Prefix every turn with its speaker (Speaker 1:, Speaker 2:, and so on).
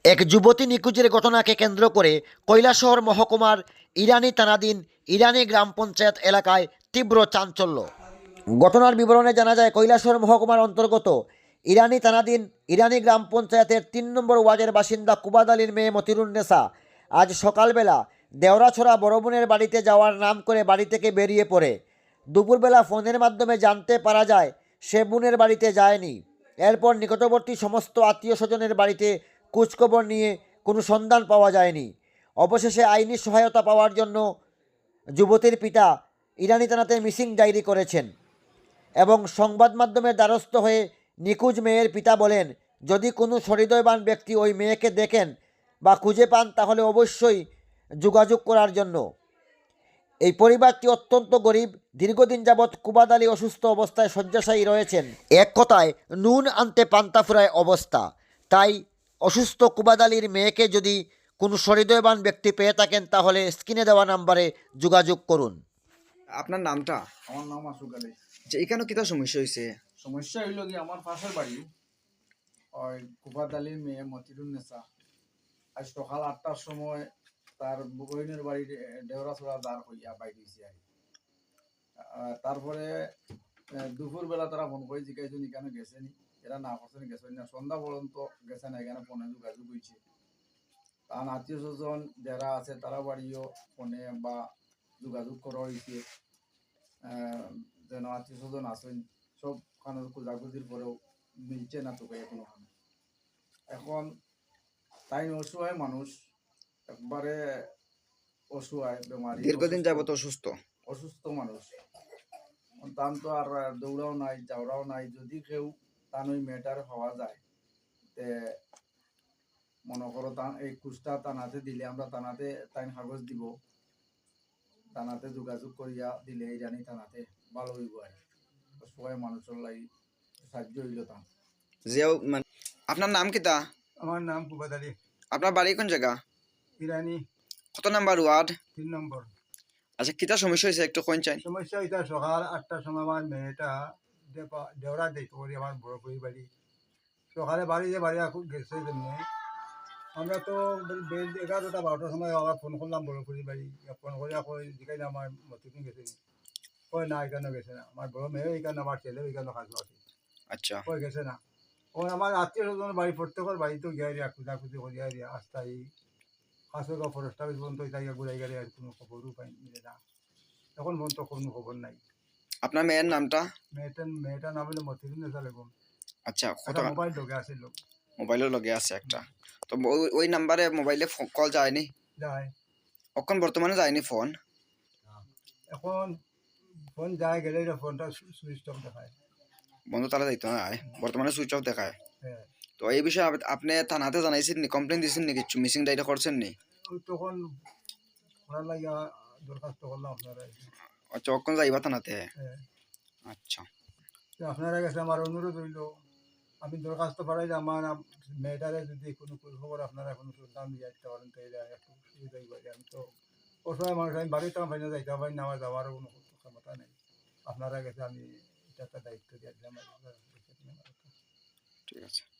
Speaker 1: এক যুবতী নিখোঁজের ঘটনাকে কেন্দ্র করে কৈলাসহর মহকুমার ইরানি থানাধীন ইরানি গ্রাম পঞ্চায়েত এলাকায় তীব্র চাঞ্চল্য। ঘটনার বিবরণে জানা যায়, কৈলাসহর মহকুমার অন্তর্গত ইরানি থানাধীন ইরানি গ্রাম পঞ্চায়েতের ৩ নম্বর ওয়ার্ডের বাসিন্দা কুবাদ আলীর মেয়ে মতিরুন্নেসা আজ সকালবেলা দেওরাছড়া বড় বোনের বাড়িতে যাওয়ার নাম করে বাড়ি থেকে বেরিয়ে পড়ে। দুপুরবেলা ফোনের মাধ্যমে জানতে পারা যায় সে বোনের বাড়িতে যায়নি। এরপর নিকটবর্তী সমস্ত আত্মীয় স্বজনের বাড়িতে খোঁজখবর নিয়ে কোনো সন্ধান পাওয়া যায়নি। অবশেষে আইনি সহায়তা পাওয়ার জন্য যুবতীর পিতা ইরানি থানাতে মিসিং ডায়েরি করেছেন এবং সংবাদ মাধ্যমের দ্বারস্থ হয়ে নিখোঁজ মেয়ের পিতা বলেন, যদি কোনো সহৃদয়বান ব্যক্তি ওই মেয়েকে দেখেন বা খুঁজে পান তাহলে অবশ্যই যোগাযোগ করার জন্য। এই পরিবারটি অত্যন্ত গরিব। দীর্ঘদিন যাবৎ কুবাদ আলী অসুস্থ অবস্থায় শয্যাশায়ী রয়েছেন। এক কথায় নুন আনতে পান্তা ফুরায় অবস্থা। তাই অসুস্থ কুবাদ আলীর মেয়েকে যদি কোনো সহৃদয়বান ব্যক্তি পেয়ে থাকেন তাহলে স্ক্রিনে দেওয়া নাম্বারে যোগাযোগ করুন।
Speaker 2: আপনার নামটা?
Speaker 3: আমার নাম আসুক আলী।
Speaker 2: যে এখানে কিতা সমস্যা হয়েছে?
Speaker 3: সমস্যা হইল কি, আমার পাশের বাড়ি ওই কুবাদ আলীর মেয়ে মতিরুন্নেসা আজ সকাল ৮টার সময় তার বইনের বাড়ির দেওরাছড়া দাঁড় হইয়া বাইরে হয়েছে আর তারপরে দুপুরবেলা তারা ফোন করে জিজ্ঞাসা এখানে গেছেনি, এরা না করছেন গেছেন না, সন্ধ্যা পর্যন্ত গেছে না, এখানে ফোনে যোগাযোগ হয়েছে। তার আত্মীয় স্বজন যারা আছে তারা বাড়িও ফোনে বা যোগাযোগ করা হয়েছে, যেন আত্মীয় স্বজন আছেন সব খানে খোঁজাখুঁজির পরেও মিলছে না তোকে এখনো। এখন তাই অসহায় মানুষ, একবারে অসহায়, বেমারি,
Speaker 2: দীর্ঘদিন যাবত অসুস্থ
Speaker 3: অসুস্থ মানুষ। তান তো আর দৌড়াও নাই, যাওয়াও নাই। যদি কেউ তান ওই মেয়েটার হওয়া যায় তে মনে করো তা এই কুষ্টা থানাতে দিলে আমরা থানাতে তাই কাগজ দিব, থানাতে যোগাযোগ করিয়া দিলে ইরানি থানাতে ভালো হইব আর অসহায় মানুষের লাগি সাহায্য হইল তা।
Speaker 2: যেও মানে আপনার নাম কিতা?
Speaker 4: আমার নাম কুবাদ আলী।
Speaker 2: আপনার বাড়ি কোন জায়গা?
Speaker 4: ইরানি
Speaker 2: কত নাম্বার ওয়ার্ড?
Speaker 4: ৩ নম্বর।
Speaker 2: আচ্ছা, কিতা সমস্যা হয়েছে একটু কোন চাই?
Speaker 4: সমস্যা এটা সকাল ৮টার সময় আমার মেয়েটা দেওরা দেখতে পারি আমার বড় পরি বাড়ি। সকালে বাড়ি গেছে জন্য আমরা তো 11টা 12টার সময় আবার ফোন করলাম বড় পরি বাড়ি। ফোন করে জিজ্ঞাসা আমার মতিদিন গেছে, কয় না এখানে গেছে না, আমার বড় মেয়ে এখানে, আমার ছেলে এখানে কাজ আছে,
Speaker 2: আচ্ছা,
Speaker 4: কয় গেছে না। ও আমার আত্মীয় স্বজন বাড়ি প্রত্যেকের বাড়িতেও গিয়ে খুঁজাখুঁজি করিয়া দিয়া আস্তাই হাসপাতাল ফরেস্ট অফিস পর্যন্ত তাই ঘুরাই গেলে আর কোনো খবরও পাই মিলে না। এখন পর্যন্ত কোনো খবর নাই।
Speaker 2: আপনার মেয়ের নামটা?
Speaker 4: মেয়েটার নাম হলো মতিরুন্নেসা বেগম।
Speaker 2: আচ্ছা, কত
Speaker 4: মোবাইল ঢোকে আসিল,
Speaker 2: মোবাইলের লগে আছে একটা? তো ওই নাম্বারে মোবাইলে কল যায়নি?
Speaker 4: যায়
Speaker 2: এখন বর্তমানে যায়নি ফোন?
Speaker 4: এখন ফোন যায় গেলে ফোনটা সুইচ অফ দেখায়।
Speaker 2: বন্ধ তারা যাইতো না, বর্তমানে সুইচ অফ দেখায়।
Speaker 4: হ্যাঁ,
Speaker 2: তো এই বিষয়ে আপনি থানাতে জানাইছেন নি, কমপ্লেন দিয়েছেন নি, কিছু মিসিং ডায়েরি করছেন নি?
Speaker 4: ওই তখন করার লাগিয়া দরখাস্ত করলাম আপনারা।
Speaker 2: আচ্ছা, কখন যাইবা থানাতে?
Speaker 4: হ্যাঁ,
Speaker 2: আচ্ছা,
Speaker 4: তো আপনারা কাছে আমার অনুরোধ হইল, আমি দরখাস্ত পাঠাই যে আমার মেয়েটারে যদি কোনো খবর আপনারা কোনো সন্ধান দিয়ে আসতে পারেন তো এটা একটু সুবিধাই পাই। আমি তো অসহায় মানুষ, আমি বাড়িতে আমার ফাইনা যাইতে পারি না, আমার যাওয়ারও কোনো ক্ষমতা নেই। আপনারা কাছে আমি এটা একটা দায়িত্ব দিয়ে দিলাম।
Speaker 2: ঠিক আছে।